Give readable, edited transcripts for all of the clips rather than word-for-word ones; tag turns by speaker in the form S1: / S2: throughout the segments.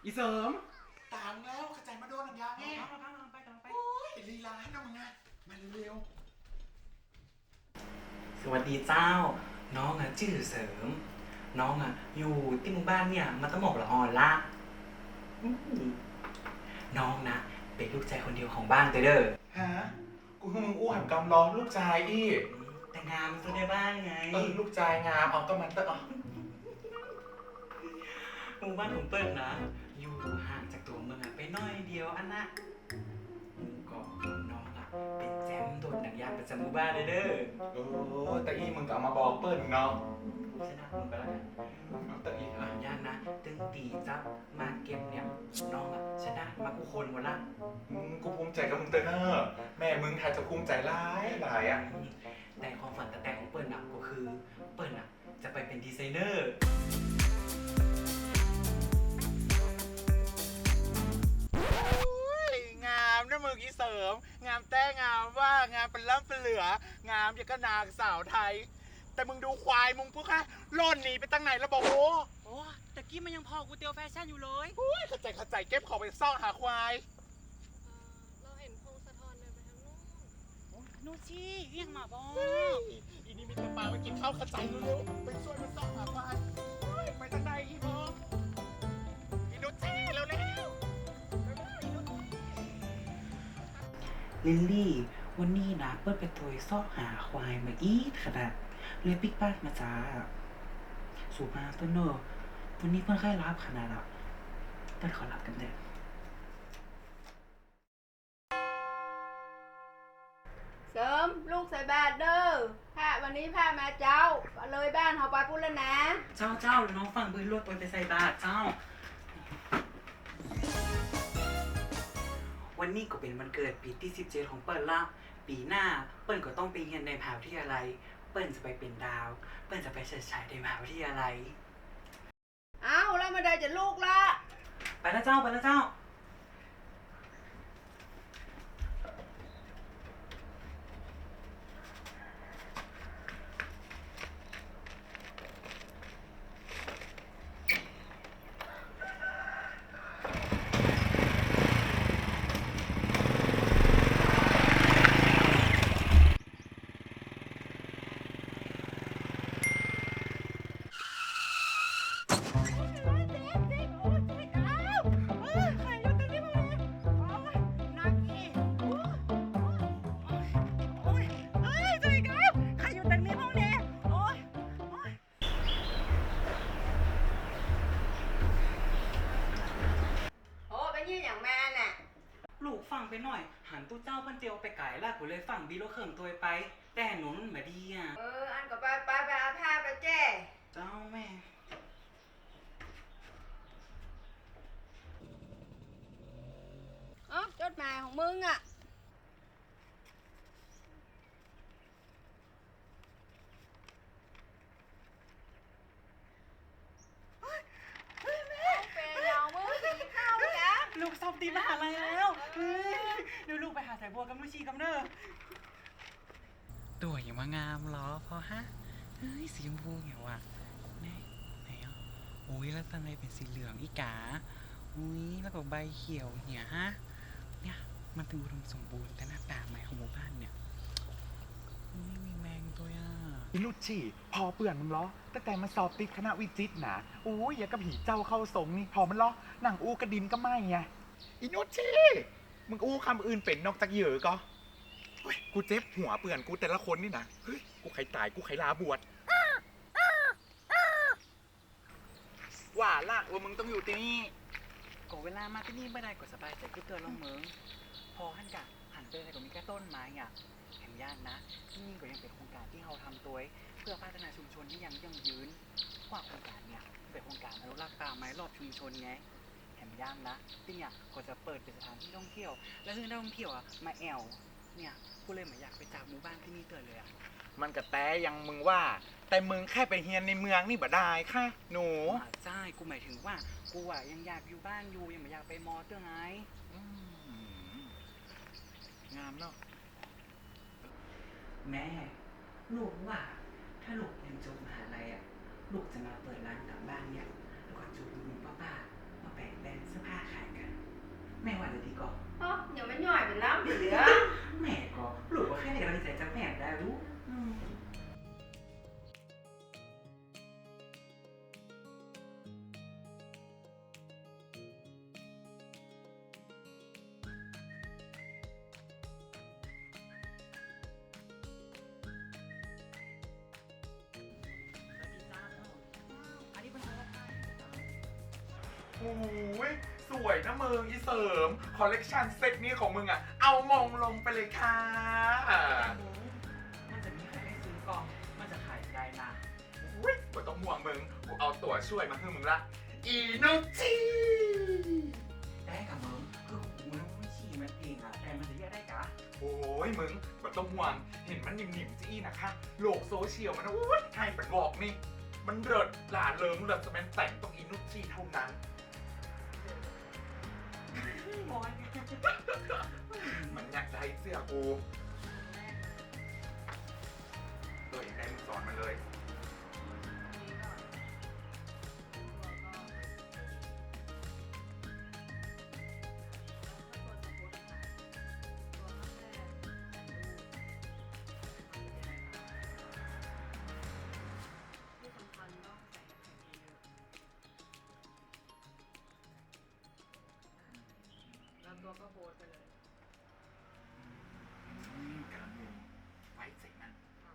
S1: อีเสริม
S2: ตามแล้วขจายมาโดนหนังยางไงโอ้ยลีลาให้น้องมึงนะมาเร็ว
S1: สวัสดีเจ้าน้องชื่อเสริมน้องอยู่ที่หมู่บ้านเนี่ยมาตั้งหมอกละออนละอืมน้องเป็นลูกชายคนเดียวของบ้านเด้อ
S2: ฮะกูมึงอู้หันกำล้อลูกชายอี
S1: แต่งงานตัวได้บ้านไง
S2: ลูกชายงามเอาก็มันเตอะ
S1: หมู่บ้านของเปิ้ลอยู่ห่างจากตัวเมืองไปน้อยเดียวอันนะก็น้องเป็นแจมโดดหนังยางประจำหมู่บ้านเด้อ
S2: แต่อีมึงก็เอามาบอกเปิ้ลเนาะ
S1: ชนะมึงไปแล้วกัน
S2: แต่อี
S1: ย่านตึงตีจับมาเก็บเนี่ยน้องชนะมากูคนหมดละ
S2: กูภูมิใจกับมึงเตอเนอร์แม่มึงไทยจะภูมิใจหลาย
S1: แต่ความฝันแต่ของเปิ้ลก็คือเปิ้ลจะไปเป็นดีไซเนอร์
S2: งามนะมึงอีเสริมงามแต่งามว่างามเป็นล้ำเป็นเหลืองามอย่างก็นางสาวไทยแต่มึงดูควายมึงพวกค่ะล่นหนีไปตั้งไหนแล้วบอก
S3: โอ้ตะกี้มันยังพอกูเตียวแฟชั่นอยู่เลย
S2: เข้าใจเก็บของไปซ่อนหาควาย
S4: เราเห็นพงศธรเดินไปทางนู้น
S3: นู่นสิเรียกมาบอ
S2: อีนี่มีแต่ปลาไปกินข้าวเข้าใจเร็วๆไปช่วยมันซ่อนหาควายไปทางไหนอีพออีนุชเช่เร็ว
S1: ลิลลี่วันนี้เปิ้ลไปตัวซอกหาควายมาอีกขนาดเลยปิกบ้านมาจ้าสูบมาต้นเนอร์วันนี้เปิ้ลค่ายรับขนาดเปิ้ลขอรับกันเด้อ
S4: เสริมลูกใส่บาตรเด้อพระวันนี้พระมาเจ้าเลยบ้านเขาไปพูดแล้วนะ
S1: เจ้าน้องฟังเบิ้ลรถตัวไปใส่บาตรเจ้าวันนี้ก็เป็นวันเกิดปีที่17ของเปิ้ลละปีหน้าเปิ้ลก็ต้องไปเรียนในมหาวิทยาลัยเปิ้ลจะไปเป็นดาวเปิ้ลจะไปเฉิดฉายในมหาวิทยาลัย
S4: อ้าวแล้วมาได้จะลูกละ
S1: ไปแล้วเจ้าลูกฟังไปหน่อยหันตู้เจ้าเพิ่นเจียวไปไก่ละกูเลยฟังดีแล้วเขิมตัวไปแต่หนูมันมาดี
S4: อันก็ไปเอาผ้าไปแจ้
S1: เจ้าแม่
S4: จดหมายของมึง
S3: ลูกสอบตีมหาลัยแล้วเดี๋ยวลูกไปหาสายบัวกับลูกชีกับเนอตัวอย่างมางามเหรอพอฮะเฮ้ยสีชมพูเหี่ยวอ่ะไหนอุ้ยแล้วทำไมเป็นสีเหลืองอีกาอุ้ยแล้วก็ใบเขียวเนี่ยฮะเนี่ยมันเป็นอุดมสมบูรณ์แต่หน้าตาใหม่ของหมู่บ้านเนี่ยไม่มีแมงตัว
S2: อีนุชชี่พอเปื่อนมึงล้อตั้งแต่มาสอบติดคณะวิจิตรนะอย่ากับผีเจ้าเข้าทรงนี่พอมันล้อหนังกระดินก็ไม่ไงอีนุชชี่มึงคำอื่นเป็นนอกจากเหยื่อก็กูเจ็บหัวเปื่อนกูแต่ละคนนี่นะเฮ้ยกูใครตายกูใครลาบวชว่าละว่ามึงต้องอยู่ที่นี่
S3: ก็เวลามาที่นี่ไม่ได้ก็สบายใจก็เตือนลงเมืองพอหันไปอะไรก็มีแค่ต้นไม้แห่งย่านนะที่นี่ก็ยังเป็นโครงการที่เราทำตัวเพื่อพัฒนาชุมชนที่ยังยั่งยืนกว่าโครงการเนี่ยเป็นโครงการอนุรักษ์ป่าไม้รอบชุมชนไงแห่งย่านนะที่เนี่ยก็จะเปิดเป็นสถานที่ท่องเที่ยวและซึ่งนักท่องเที่ยวมาแอวเนี่ยกูเลยอยากไปจากหมู่บ้านที่นี่เตือนเลย
S2: มันก็แต่ยังมึงว่าแต่มึงแค่ไปเฮียนในเมืองนี่บ่ได้ค่ะหนู
S3: ใช่กูหมายถึงว่ากูยังอยากอยู่บ้านอยู่ยังไม่อยากไปมอเตอร์ไง
S2: งามเนาะ
S1: แม่ลูกว่าถ้าลูกเรียนจบมหาลัยลูกจะมาเปิดร้านกลับบ้านเนี่ยแล้วก็จูบลุงป้าแบ่งแบรนด์เสื้อผ้าขายกัน แม่ว่าจะดีก่อน
S4: อ๋อเดี๋ยวมันย่อยเป็นล้ำเหลือ
S1: แม่ก็หรือว่าแค่ในกำลังใจจากแม่ได้รู้
S2: โอ้ยสวยนะมึงอีเสริม คอลเลกชันเซตนี้ของมึงอ่ะ เอามองลงไปเลยค่ะ
S1: มันจะมีใครให้ซื้อกองมันจะขายได้นะ
S2: อุ้ยบ่ต้องห่วงมึง กูเอาตัวช่วยมาให้มึงละ อีนุจิ
S1: ได้กับมึงคือกูไม่ฉี่มันเองอะแต่มันจะแยกได้กะ
S2: โอ้ยมึงบ่ต้องห่วง เห็นมันหนิ่มๆจี้นะคะ โลกโซเชียลมันนะโอ้ยไทยเป็นบอกนี่ มันเลิศหลาเริงเลิศจะเป็นแต่งต้องอีนุจิเท่านั้น
S1: มอน
S2: มันอยากได้เสื้อกูอยากได้มึงสอนมันเลย
S4: แล้วตัวก็โพสไปเลย
S2: การมึงไว้ใจมัน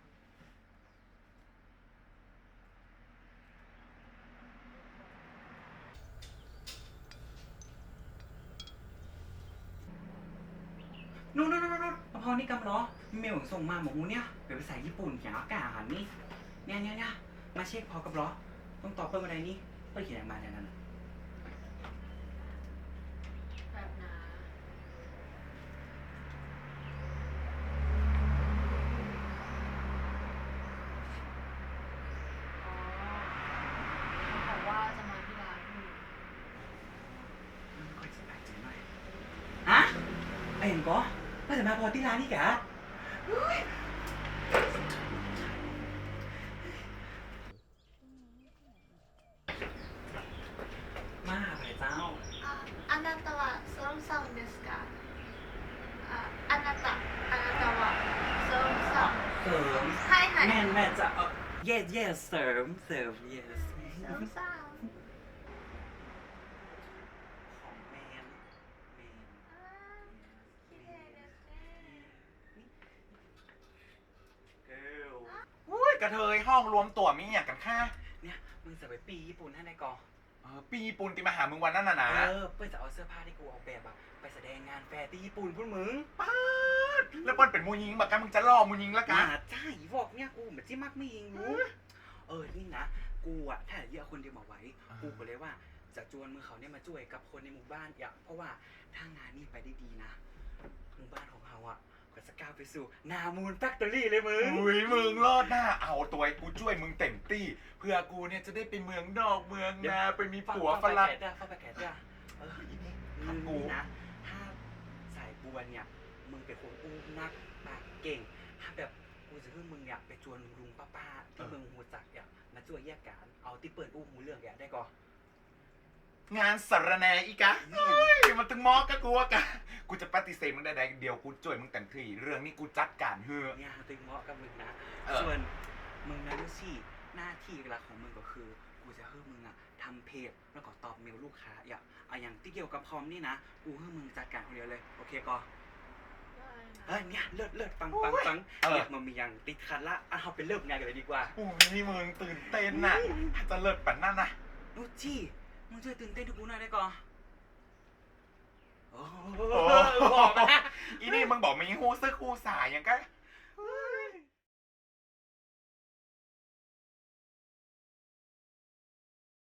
S1: นู่นพอนี่กำล้อเมลส่งมาบอกกูเนี่ยเป็นภาษาญี่ปุ่นเขียนอากาศนี่เนี่ยมาเช็คพอกับล้อต้องตอบเพิ่มอะไรนี่เปิดเขียนอะไรมาเนี่ยนั่น
S4: แบบนะ อ๋อเขาบอกว่าจะมาที่ร้านพี่
S1: มันไม่ค่อยสบายใจหน่อยฮะไอ้เห็นก็ว่าจะมาพอที่ร้านนี่กะมาหาพระเจ้า
S5: あなたはソロさんですかあなたはソロさん
S1: เสริม
S5: はいはい
S1: แม่จะyes เสริม yes
S5: ソロさん
S1: ของแมน
S5: 綺麗ですね
S1: girl
S2: อุ้ยกระเทยห้องรวมตัวมีอย่างกันค่ะ
S1: เนี่ยมึงจะไปปีญี่ปุ่นให้ในกอง
S2: ปีญี่ปุ่นที่มาหามึงวันนั้นน่ะนะ
S1: เพื่อจะเอาเสื้อผ้าที่กูออกแบบอะไปแสดงงานแฟร์ที่ญี่ปุ่นพุ่นมึง
S2: ป๊าดแล้วเปิ้ลเป็นมูยิงบักกันมึงจะล่อมูยิงแล้วกัน
S1: ใช่บอกเนี่ยกูเหมือนที่มักไม่ยิงรู้นี่นะกูอะถ้าเยอะคนเดียวมาไว้กูก็เลยว่าจะจวนมือเขาเนี่ยมาช่วยกับคนในหมู่บ้านอย่างเพราะว่าถ้างานนี้ไปได้ดีนะหมู่บ้านของเราอะก็จะก้าวไปสู่นามูนแฟคทอรี่เลยมึง
S2: อุ้ยมึงรอดหน้าเอาตัวไอ้กูช่วยมึงเต็มที่เพื่อกูเนี่ยจะได้ไปเมืองนอกเมืองนาไปมีผัวฝรั่ง
S1: ฟ้าไปแกะจ้ะ
S2: อีนี่
S1: มึ
S2: ทำ
S1: ง
S2: กู
S1: นี่นะถ้าสายบัวเนี่ยมึงเป็นคนอู้นักปากเก่งถ้าแบบกูจะให้มึงเนี่ยไปจวนลุงป้าที่เมืองหูจักเนี่ยมาช่วยแยกกันเอาที่เปิดอู้หูเรื่องอย่างได้ก่อน
S2: งานสารแหนอีกะเฮ้ยมันถึงมอกกับกูอะกะกูจะปฏิเสธมึงได้เดียวกูช่วยมึงเต็มที่เรื่องนี้กูจัดการเฮ้อ
S1: เนี่ยตึงเหมาะกับมึงนะ
S2: เออ
S1: ส่วนมึงนะลูซี่หน้าที่หลักของมึงก็คือกูจะให้มึงอะทำเพจแล้วก็ตอบเมลลูกค้าอย่างที่เกี่ยวกับคอมนี่นะกูให้มึงจัดการคนเดียวเลยโอเคก่อนเนี่ยเลิศฟังอยากมามีอย่างติดขัดละเอาไปเริ่มงานกันเลยดีกว่า
S2: โอ้ยนี่มึงตื่นเต้นน่ะจะเลิศปันนั่นน่ะ
S1: ลูซี่มึงช่วยตื่นเต้นทุกกูหน่อยได้ก่อนโอ้
S2: โอ้
S1: บอกมา
S2: อีนี่มึงบอกมีฮู้ซึกฮู้สายอย่างก็